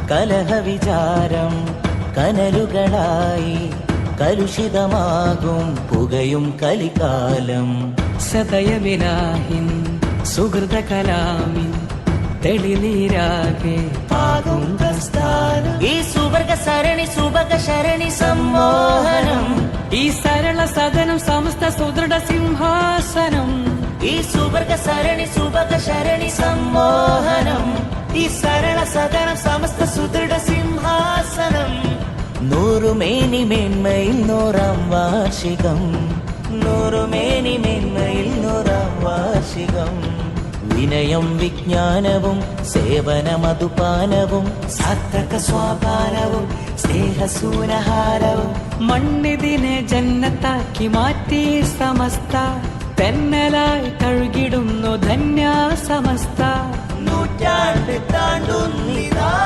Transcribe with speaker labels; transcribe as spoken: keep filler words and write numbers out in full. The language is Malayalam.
Speaker 1: കലഹവിചാരം കനലുകളായി കലുഷിതമാകും പുകയും കലികാലം.
Speaker 2: സദയവിലാഹിൻ സുഹൃത കലാമിൻ തെളിനീരാകെ
Speaker 1: പാകും പ്രസ്ഥാനം. ഈ സുവർഗ സരണി സുഭഗ ശരണി സമ്മോഹനം.
Speaker 2: ഈ സരള സദനം സമസ്ത സുദൃഢ സിംഹാസനം.
Speaker 1: ഈ സുവർഗ സരണി സുഭഗ ശരണി സമ്മോഹനം. ഈ സരള സദനം സമസ്ത സുദൃഢ സിംഹാസനം. നൂറുമേനി മേന്മയിൽ നൂറാം വാർഷികം. നൂറുമേനി മേന്മയിൽ നൂറാം വാർഷികം. വിനയം വിജ്ഞാനവും സേവനമധുപാനവും സാർത്ഥക സ്വാപാനവും സ്നേഹസൂനഹാരവും.
Speaker 2: മണ്ണിതിനെ ജന്നത്താക്കി മാറ്റി സമസ്ത തെന്നലായി തഴുകിടുന്നു ധന്യ സമസ്ത.
Speaker 1: നൂറ്റാണ്ട് താണ്ടുന്നിതാ